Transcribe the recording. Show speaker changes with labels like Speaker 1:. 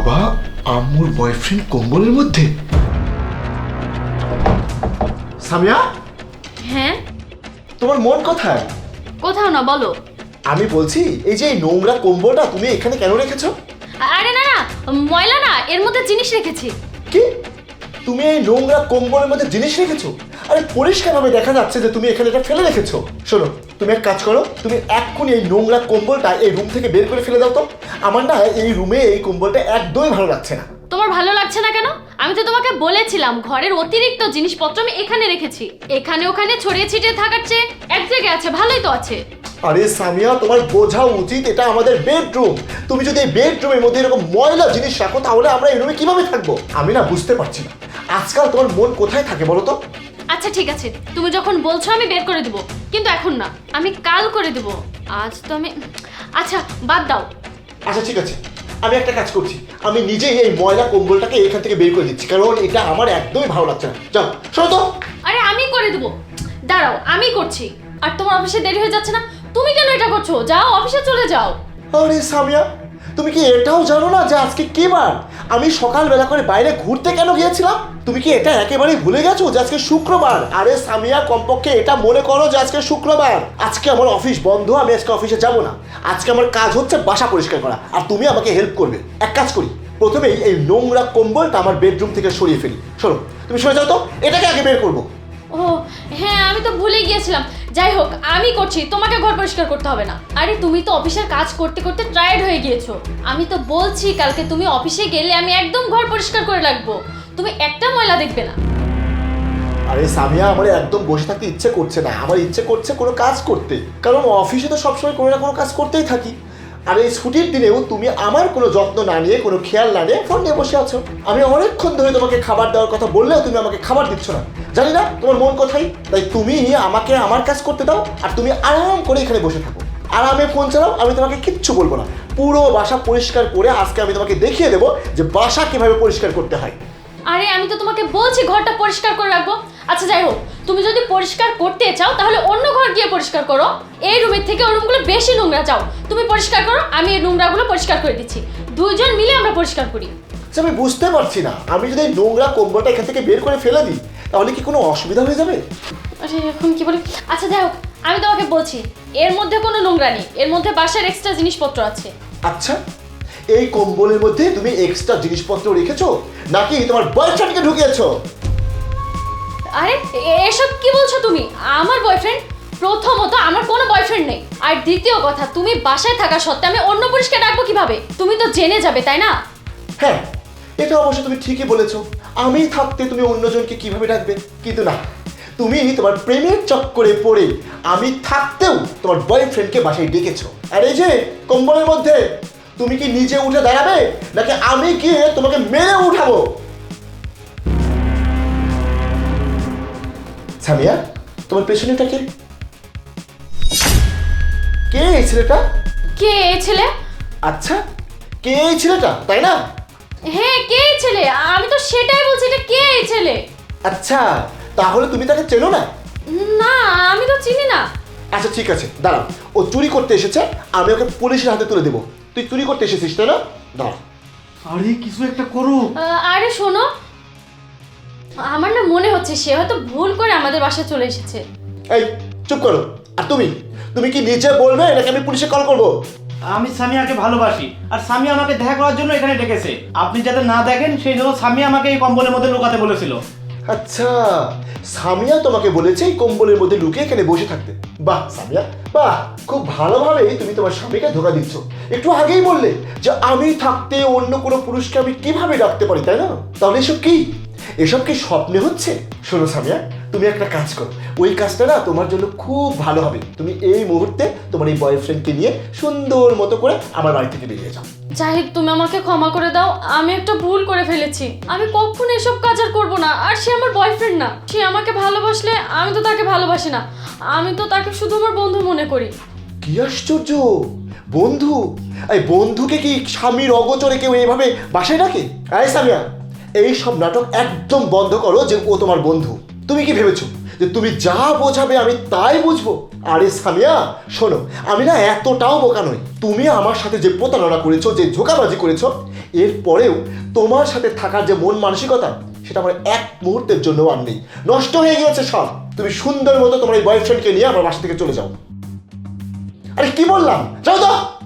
Speaker 1: বাবা, আম্মুর বয়ফ্রেন্ড কম্বলের মধ্যে? সামিয়া,
Speaker 2: হ্যাঁ,
Speaker 1: তোমার মন কোথায়?
Speaker 2: কোথাও না, বলো।
Speaker 1: আমি বলছি, এই যে এই নোংরা কম্বলটা তুমি এখানে কেন রেখেছো?
Speaker 2: আরে না না, ময়লা না, এর মধ্যে জিনিস রেখেছি।
Speaker 1: কি? তুমি এই নোংরা কম্বলের মধ্যে জিনিস রেখেছো? আরে পরিষ্কারভাবে দেখা যাচ্ছে যে তুমি এখানে এটা ফেলে রেখেছো। শোনো, তুমি এক কাজ করো, তুমি এক্ষুনি এই নোংরা কম্বলটা এই রুম থেকে বের করে ফেলে দাও তো। আমার না এই রুমে এই কম্বলটা একদমই ভালো লাগছে না।
Speaker 2: তোমার ভালো লাগছে না কেন? আমি তো তোমাকে বলেছিলাম ঘরের অতিরিক্ত জিনিসপত্র আমি এখানে রেখেছি। এখানে ওখানে ছড়িয়ে ছিটিয়ে থাকার চেয়ে এক জায়গায় আছে, ভালোই তো আছে।
Speaker 1: আরে সামিয়া, তোমার বোঝা উচিত এটা আমাদের বেডরুম। তুমি যদি এই বেডরুমের মধ্যে এরকম ময়লা জিনিস রাখো তাহলে আমরা এই রুমে কিভাবে থাকবো? আমি না বুঝতে পারছি না, আজকাল তোমার মন কোথায় থাকে বলো তো?
Speaker 2: আচ্ছা ঠিক আছে, তুমি যখন বলছো আমি বের করে দেবো, কিন্তু এখন না, আমি কাল করে দেবো। আজ তো আমি, আচ্ছা বাদ দাও।
Speaker 1: আচ্ছা ঠিক আছে, আমি একটা কাজ করছি, আমি নিজেই এই ময়লা কম্বলটাকে এখান থেকে বের করে দিচ্ছি, কারণ এটা আমার একদমই ভালো লাগছে না। যাও, শোনো তো।
Speaker 2: আরে আমি করে দেবো, দাঁড়াও, আমি করছি। আর তোমার অফিসে দেরি হয়ে যাচ্ছে না? তুমি কেন এটা করছো? যাও, অফিসে চলে যাও।
Speaker 1: আরে সামিয়া, তুমি কি এটাও জানো না যে আজকে কি বার? আমি সকালবেলা করে বাইরে ঘুরতে কেন গিয়েছিলাম? তুমি কি এটা একেবারেই ভুলে গেছো যে আজকে শুক্রবার? আরে সামিয়া, কমপক্ষে এটা মনে করো যে আজকে শুক্রবার। আজকে আমার অফিস বন্ধ, আমি আজকে অফিসে যাব না। আজকে আমার কাজ হচ্ছে বাসা পরিষ্কার করা, আর তুমি আমাকে হেল্প করবে। এক কাজ করি, প্রথমেই এই নোংরা কম্বলটা আমার বেডরুম থেকে সরিয়ে ফেলি। শোনো, তুমি সরে যাও তো, এটাকে আগে বের করবো।
Speaker 2: ও হ্যাঁ, আমি তো ভুলে গিয়েছিলাম। যাই হোক, আমি করছি, তোমাকে ঘর পরিষ্কার করতে হবে না। আরে তুমি তো অফিসের কাজ করতে করতে টায়ার্ড হয়ে গিয়েছো। আমি তো বলছি কালকে তুমি অফিসে গেলে আমি একদম ঘর পরিষ্কার করে রাখবো, তুমি একটা ময়লা দেখবে না।
Speaker 1: আরে সামিয়া, আমার একদম বসে থাকতে ইচ্ছে করছে না, আমার ইচ্ছে করছে কোনো কাজ করতে, কারণ অফিসে তো সবসময় কোনো না কোনো কাজ করতেই থাকি। আর এই ছুটির দিনেও তুমি আমার কোনো যত্ন না নিয়ে, কোনো খেয়াল না নিয়ে ফোন নিয়ে বসে আছো। আমি অনেকক্ষণ ধরে তোমাকে খাবার দেওয়ার কথা বললেও তুমি আমাকে খাবার দিচ্ছ না। জানি না তোমার মন কোথায়, তাই তুমি আমাকে আমার কাজ করতে দাও, আর তুমি আরাম করে এখানে বসে থাকো, আরামে ফোন চালাও। আমি তোমাকে কিচ্ছু বলবো না। পুরো বাসা পরিষ্কার করে আজকে আমি তোমাকে দেখিয়ে দেবো যে বাসা কিভাবে পরিষ্কার করতে হয়।
Speaker 2: আরে আমি তো তোমাকে বলছি ঘরটা পরিষ্কার করে রাখবো। আচ্ছা যাই হোক, তুমি যদি পরিষ্কার করতে চাও তাহলে অন্য ঘর গিয়ে পরিষ্কার করো। এই রুমের থেকে ওই রুমগুলো বেশি নোংরা। যাও, তুমি পরিষ্কার করো, আমি এই নোংরাগুলো পরিষ্কার করে দিচ্ছি। দুইজন মিলে আমরা পরিষ্কার করি।
Speaker 1: আচ্ছা, আমি বুঝতে পারছি না, আমি যদি এই নোংরা কম্বলটা এখান থেকে বের করে ফেলে দিই তাহলে কি কোনো অসুবিধা হয়ে যাবে?
Speaker 2: আরে এখন কি বলি? আচ্ছা যাই হোক, আমি তোমাকে বলছি এর মধ্যে কোনো নোংরা নেই, এর মধ্যে বাসার এক্সট্রা জিনিসপত্র আছে।
Speaker 1: আচ্ছা, এই কম্বলের মধ্যে তুমি এক্সট্রা জিনিসপত্র রেখেছো নাকি তোমার বয়ফ্রেন্ডকে ঢুকিয়েছো?
Speaker 2: আরে এসব কি বলছো তুমি? আমার বয়ফ্রেন্ড? প্রথমত আমার কোনো বয়ফ্রেন্ড নেই, আর দ্বিতীয় কথা, তুমি বাসায় থাকা সত্ত্বে আমি অন্য পুরুষকে ডাকবো কিভাবে? তুমি তো জেনে যাবে, তাই না?
Speaker 1: হ্যাঁ, এটা অবশ্য তুমি ঠিকই বলেছো। আমি থাকতে তুমি অন্যজনকে কিভাবে ডাকবে? কিন্তু না, তুমি তোমার প্রেমের চক্করে পড়ে আমি থাকতেও তোমার বয়ফ্রেন্ডকে বাসায় ডেকেছো। আর এই যে কম্বলের মধ্যে, তুমি কি নিজে উঠে দাঁড়াবে নাকি আমি গিয়ে তোমাকে মেরে উঠাবো? সামিয়া, তোমার পেছনেটা কে? কে এই ছেলেটা?
Speaker 2: কে এই ছেলে?
Speaker 1: আচ্ছা, কে এই ছেলেটা, তাই না?
Speaker 2: হ্যাঁ, কে এই ছেলে? আমি তো সেটাই বলছি, এটা কে এই ছেলে?
Speaker 1: আচ্ছা, তাহলে তুমি তাকে চেনো না?
Speaker 2: না, আমি তো চিনি না।
Speaker 1: আচ্ছা ঠিক আছে, দাঁড়াও, ও চুরি করতে এসেছে, আমি ওকে পুলিশের হাতে তুলে দেবো। তুই চুরি করতে এসেছিস তাই না? দাঁড়া।
Speaker 3: আরে কিছু একটা করো।
Speaker 2: আরে শোনো, আমার না মনে হচ্ছে সে হয়তো ভুল করে আমাদের বাসায় চলে এসেছে।
Speaker 1: এই চুপ করো। আর তুমি তুমি কি নিজে বলবে নাকি আমি পুলিশে কল করবো?
Speaker 3: আমি সামিয়াকে ভালোবাসি, আর সামিয়া আমাকে দেখা করার জন্য এখানে ডেকেছে। আপনি যাতে না দেখেন সেই জন্য সামিয়া আমাকে এই কম্বলের মধ্যে লুকাতে বলেছিল।
Speaker 1: আচ্ছা, সামিয়া তোমাকে বলেছে এই কম্বলের মধ্যে লুকিয়ে এখানে বসে থাকতে। বাহ সামিয়া, বাহ, খুব ভালোভাবেই তুমি তোমার স্বামীকে ধোকা দিচ্ছ। একটু আগেই বললে যে আমি থাকতে অন্য কোনো পুরুষকে আমি কিভাবে ডাকতে পারি, তাই না? তাহলে এসব কি? এসব কি স্বপ্নে হচ্ছে? শোনো সামিয়া, তুমি একটা কাজ করো, ওই কাজটা না তোমার জন্য খুব ভালো হবে। তুমি এই মুহূর্তে তোমার এই বয়ফ্রেন্ডকে নিয়ে সুন্দর মতো করে আমার বাড়ি থেকে বেরিয়ে যাও।
Speaker 2: জাহিদ, তুমি আমাকে ক্ষমা করে দাও, আমি একটা ভুল করে ফেলেছি। আমি কখনো এসব কাজ আর করবো না। আর সে আমার বয়ফ্রেন্ড না, সে আমাকে ভালোবাসলে আমি তো তাকে ভালোবাসি না, আমি তো তাকে শুধু আমার বন্ধু মনে করি।
Speaker 1: কি আশ্চর্য, বন্ধু? এই বন্ধুকে কি স্বামীর অগোচরে কেউ এইভাবে বাসায় ডাকে? এই সামিয়া, এই সব নাটক একদম বন্ধ করো যে ও তোমার বন্ধু। তুমি কি ভেবেছো যে তুমি যা বোঝাবে আমি তাই বুঝবো? আরে সামিয়া শোনো, আমি না এতটাও বোকা নই। তুমি আমার সাথে যে প্রতারণা করেছো, যে ধোঁকাবাজি করেছো, এরপরেও তোমার সাথে থাকার যে মন মানসিকতা, সেটা আমার এক মুহূর্তের জন্য আর নেই। নষ্ট হয়ে গিয়েছে সব। তুমি সুন্দর মতো তোমার এই বয়ফ্রেন্ডকে নিয়ে আমার বাসা থেকে চলে যাও। আরে কি বললাম, যাও তো।